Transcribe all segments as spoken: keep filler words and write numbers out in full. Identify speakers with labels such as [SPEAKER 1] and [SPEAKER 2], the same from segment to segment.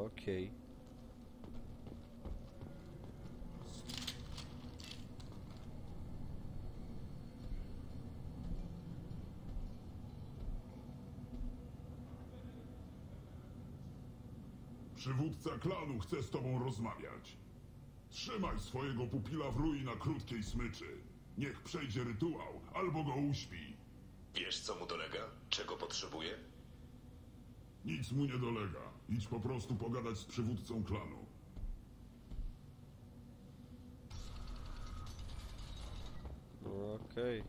[SPEAKER 1] Okej. Okay.
[SPEAKER 2] Przywódca klanu chce z tobą rozmawiać. Trzymaj swojego pupila w rui na krótkiej smyczy. Niech przejdzie rytuał, albo go uśpi.
[SPEAKER 3] Wiesz, co mu dolega? Czego potrzebuje?
[SPEAKER 2] Nic mu nie dolega. Idź po prostu pogadać z przywódcą klanu.
[SPEAKER 1] No okej. Okay.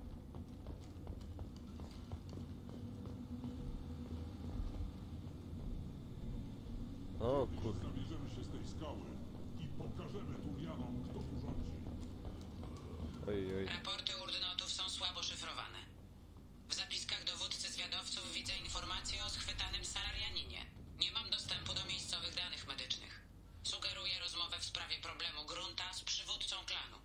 [SPEAKER 1] O kurde.
[SPEAKER 2] Zabierzemy się z tej skały i pokażemy Turianom, kto tu rządzi.
[SPEAKER 1] Oj, oj.
[SPEAKER 4] Raporty urdnotów są słabo szyfrowane. W zapiskach dowódcy zwiadowców widzę informacje o schwytanym salarianinie. Nie mam dostępu do miejscowych danych medycznych. Sugeruję rozmowę w sprawie problemu grunta z przywódcą klanu.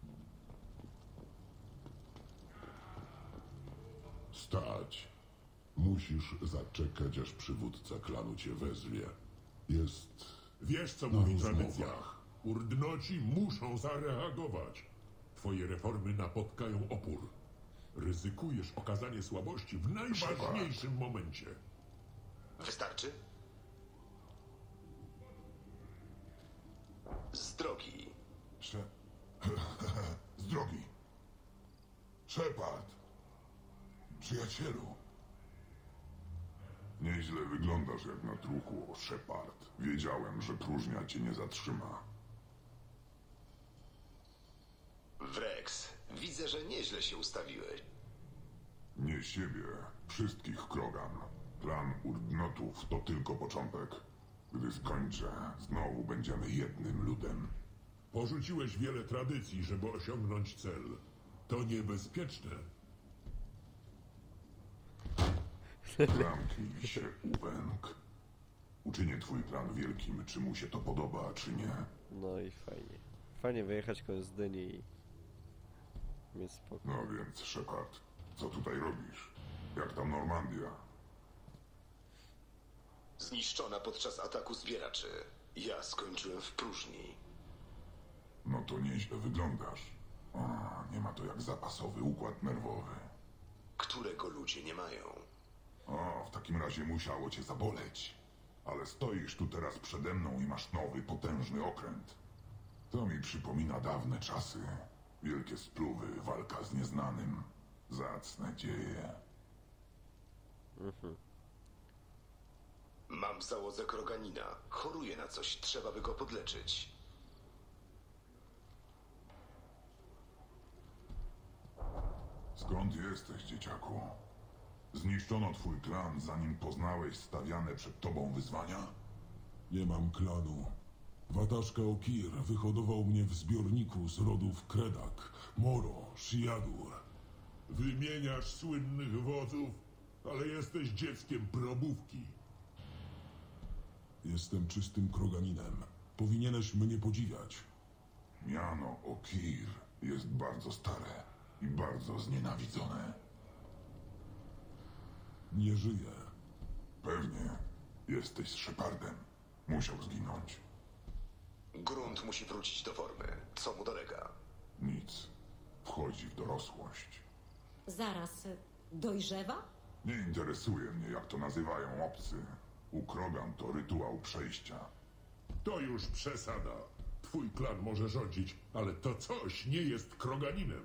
[SPEAKER 5] Stać. Musisz zaczekać, aż przywódca klanu cię wezwie. Jest...
[SPEAKER 2] Wiesz, co
[SPEAKER 5] Na
[SPEAKER 2] mówi
[SPEAKER 5] rozmowach.
[SPEAKER 2] tradycja. Urdnoci muszą zareagować. Twoje reformy napotkają opór. Ryzykujesz okazanie słabości w najważniejszym momencie.
[SPEAKER 3] Wystarczy? Z drogi.
[SPEAKER 5] Sze... Z drogi. Shepard. Przyjacielu. Nieźle wyglądasz jak na truchło, Shepard. Wiedziałem, że próżnia cię nie zatrzyma.
[SPEAKER 3] Wrex, widzę, że nieźle się ustawiłeś.
[SPEAKER 5] Nie siebie, wszystkich Krogan. Plan Urdnotów to tylko początek. Gdy skończę, znowu będziemy jednym ludem.
[SPEAKER 2] Porzuciłeś wiele tradycji, żeby osiągnąć cel. To niebezpieczne.
[SPEAKER 5] Zamknij się, Uwęk. Uczynię twój plan wielkim, czy mu się to podoba, czy nie.
[SPEAKER 1] No i fajnie. Fajnie wyjechać koło Zdyni i mieć spokój.
[SPEAKER 5] No więc, Shepard, co tutaj robisz? Jak tam Normandia?
[SPEAKER 3] Zniszczona podczas ataku zbieraczy. Ja skończyłem w próżni.
[SPEAKER 5] No to nieźle wyglądasz. O, nie ma to jak zapasowy układ nerwowy.
[SPEAKER 3] Którego ludzie nie mają.
[SPEAKER 5] O, w takim razie musiało cię zaboleć. Ale stoisz tu teraz przede mną i masz nowy, potężny okręt. To mi przypomina dawne czasy. Wielkie spluwy, walka z nieznanym. Zacne dzieje.
[SPEAKER 1] Mhm.
[SPEAKER 3] Mam w załodze kroganina. Choruje na coś, trzeba by go podleczyć.
[SPEAKER 5] Skąd jesteś, dzieciaku? Zniszczono twój klan, zanim poznałeś stawiane przed tobą wyzwania?
[SPEAKER 6] Nie mam klanu. Wataszka Okir wyhodował mnie w zbiorniku z rodów Kredak, Moro, Shiadur.
[SPEAKER 2] Wymieniasz słynnych wodzów, ale jesteś dzieckiem probówki.
[SPEAKER 6] Jestem czystym kroganinem. Powinieneś mnie podziwiać.
[SPEAKER 5] Miano Okir jest bardzo stare i bardzo znienawidzone.
[SPEAKER 6] Nie żyję.
[SPEAKER 5] Pewnie jesteś Shepardem. Musiał zginąć.
[SPEAKER 3] Grunt musi wrócić do formy. Co mu dolega?
[SPEAKER 5] Nic. Wchodzi w dorosłość.
[SPEAKER 7] Zaraz, dojrzewa?
[SPEAKER 5] Nie interesuje mnie, jak to nazywają obcy. U Krogan to rytuał przejścia.
[SPEAKER 2] To już przesada. Twój klan może rządzić, ale to coś nie jest kroganinem.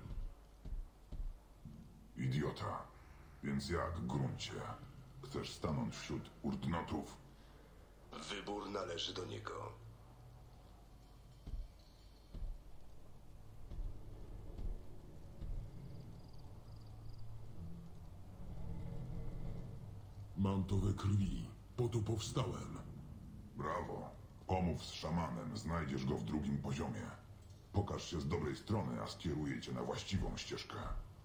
[SPEAKER 5] Idiota. Więc jak, Gruncie? Chcesz stanąć wśród Urdnotów?
[SPEAKER 3] Wybór należy do niego.
[SPEAKER 6] Mam to we krwi. Po to powstałem.
[SPEAKER 5] Brawo. Pomów z szamanem, znajdziesz go w drugim poziomie. Pokaż się z dobrej strony, a skieruję cię na właściwą ścieżkę.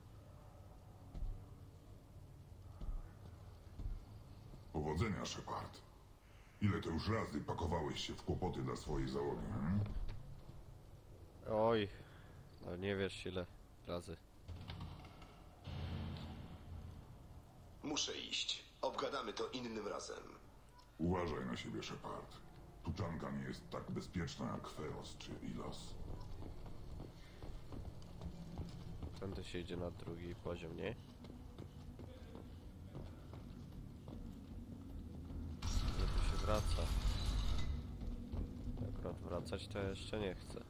[SPEAKER 5] Powodzenia, Shepard. Ile to już razy pakowałeś się w kłopoty dla swojej załogi, hmm?
[SPEAKER 1] Oj, no nie wiesz ile razy.
[SPEAKER 3] Muszę iść. Obgadamy to innym razem.
[SPEAKER 5] Uważaj na siebie, Shepard. Tuczanka nie jest tak bezpieczna jak Feroz czy Ilos.
[SPEAKER 1] Tędy się idzie na drugi poziom, nie? Gdzie tu się wraca? Akurat wracać to jeszcze nie chcę.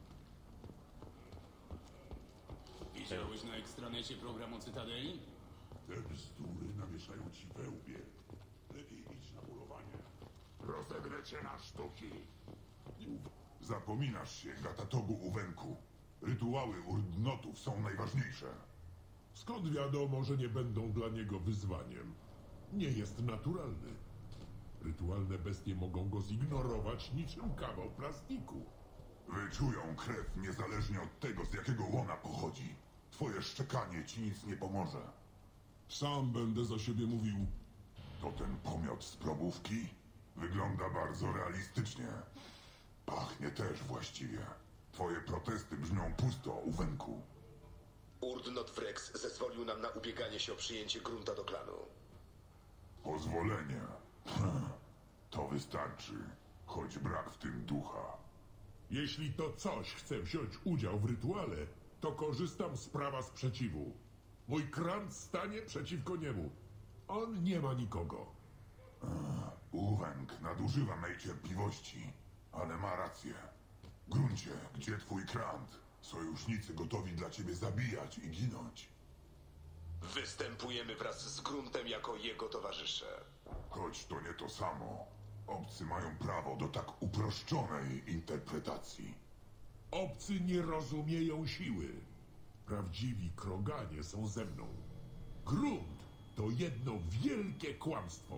[SPEAKER 8] Widziałeś na ekstranecie program o Cytadeli?
[SPEAKER 6] Te bzdury nawieszają ci we łbie. Lepiej idź na polowanie.
[SPEAKER 5] Rozegrę cię na sztuki. Zapominasz się, Gatatogu Uwenku. Rytuały urdnotów są najważniejsze.
[SPEAKER 6] Skąd wiadomo, że nie będą dla niego wyzwaniem? Nie jest naturalny. Rytualne bestie mogą go zignorować niczym kawał plastiku.
[SPEAKER 5] Wyczują krew niezależnie od tego, z jakiego łona pochodzi. Twoje szczekanie ci nic nie pomoże.
[SPEAKER 6] Sam będę za siebie mówił.
[SPEAKER 5] To ten pomiot z probówki? Wygląda bardzo realistycznie. Pachnie też właściwie. Twoje protesty brzmią pusto, Uwenku.
[SPEAKER 3] Urdnot Wrex zezwolił nam na ubieganie się o przyjęcie grunta do klanu.
[SPEAKER 5] Pozwolenie. To wystarczy, choć brak w tym ducha.
[SPEAKER 6] Jeśli to coś chce wziąć udział w rytuale, to korzystam z prawa sprzeciwu. Mój krant stanie przeciwko niemu. On nie ma nikogo.
[SPEAKER 5] Uwenk nadużywa mej cierpliwości, ale ma rację. Gruncie, gdzie twój krant? Sojusznicy gotowi dla ciebie zabijać i ginąć.
[SPEAKER 3] Występujemy wraz z gruntem jako jego towarzysze.
[SPEAKER 5] Choć to nie to samo. Obcy mają prawo do tak uproszczonej interpretacji.
[SPEAKER 6] Obcy nie rozumieją siły. Prawdziwi kroganie są ze mną. Grunt to jedno wielkie kłamstwo.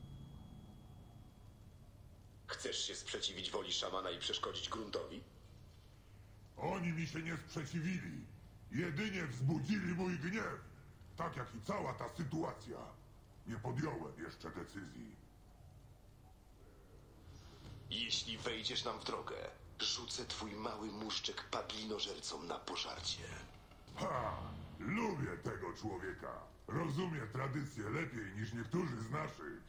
[SPEAKER 3] Chcesz się sprzeciwić woli szamana i przeszkodzić gruntowi?
[SPEAKER 5] Oni mi się nie sprzeciwili. Jedynie wzbudzili mój gniew. Tak jak i cała ta sytuacja. Nie podjąłem jeszcze decyzji.
[SPEAKER 3] Jeśli wejdziesz nam w drogę, rzucę twój mały muszczek padlinożercom na pożarcie.
[SPEAKER 5] Ha! Lubię tego człowieka. Rozumie tradycję lepiej niż niektórzy z naszych.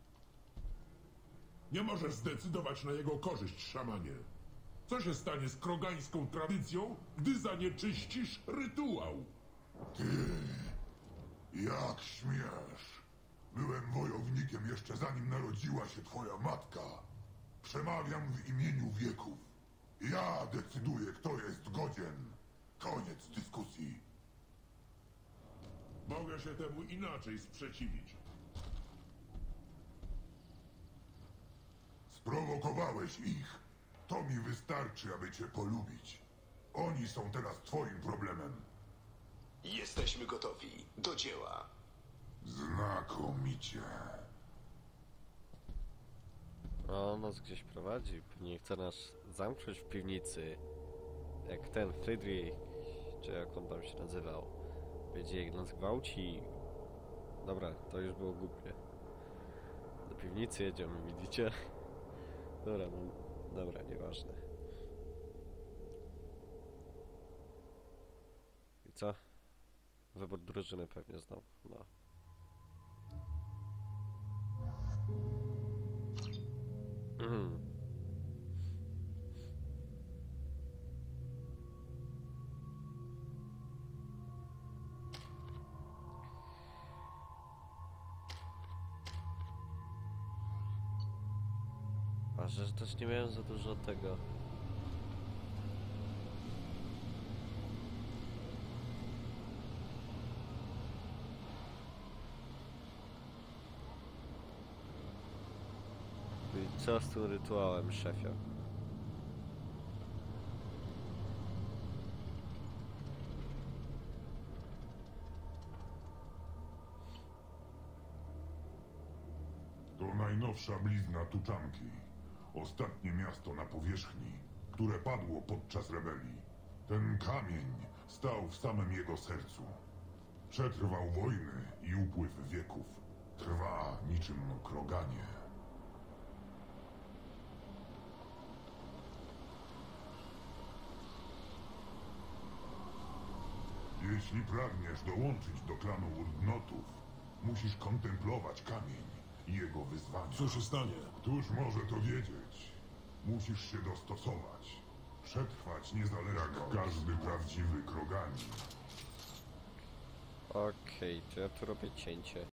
[SPEAKER 6] Nie możesz zdecydować na jego korzyść, szamanie. Co się stanie z krogańską tradycją, gdy zanieczyścisz rytuał?
[SPEAKER 5] Ty, jak śmiesz? Byłem wojownikiem jeszcze zanim narodziła się twoja matka. Przemawiam w imieniu wieków. Ja decyduję, kto jest godzien. Koniec dyskusji.
[SPEAKER 6] Mogę się temu inaczej sprzeciwić.
[SPEAKER 5] Sprowokowałeś ich. To mi wystarczy, aby cię polubić. Oni są teraz twoim problemem.
[SPEAKER 3] Jesteśmy gotowi. Do dzieła.
[SPEAKER 5] Znakomicie.
[SPEAKER 1] O, nas gdzieś prowadzi. Pewnie chce nas zamknąć w piwnicy. Jak ten Friedrich, czy jak on tam się nazywał. Będzie jak nas gwałci. Dobra, to już było głupie. Do piwnicy jedziemy, widzicie? Dobra, no, dobra, nieważne. I co? Wybór drużyny pewnie znowu, no. Mhm. A że też nie miałem za dużo tego. I co z tym rytuałem, szefie?
[SPEAKER 5] To najnowsza blizna Tuczanki. Ostatnie miasto na powierzchni, które padło podczas rebelii. Ten kamień stał w samym jego sercu. Przetrwał wojny i upływ wieków. Trwa niczym kroganie. Jeśli pragniesz dołączyć do klanu Urdnotów, musisz kontemplować kamień jego wyzwania.
[SPEAKER 6] Co się stanie?
[SPEAKER 5] Któż może to wiedzieć? Musisz się dostosować. Przetrwać niezależnie jak każdy prawdziwy kroganin.
[SPEAKER 1] Okej, to ja tu robię cięcie.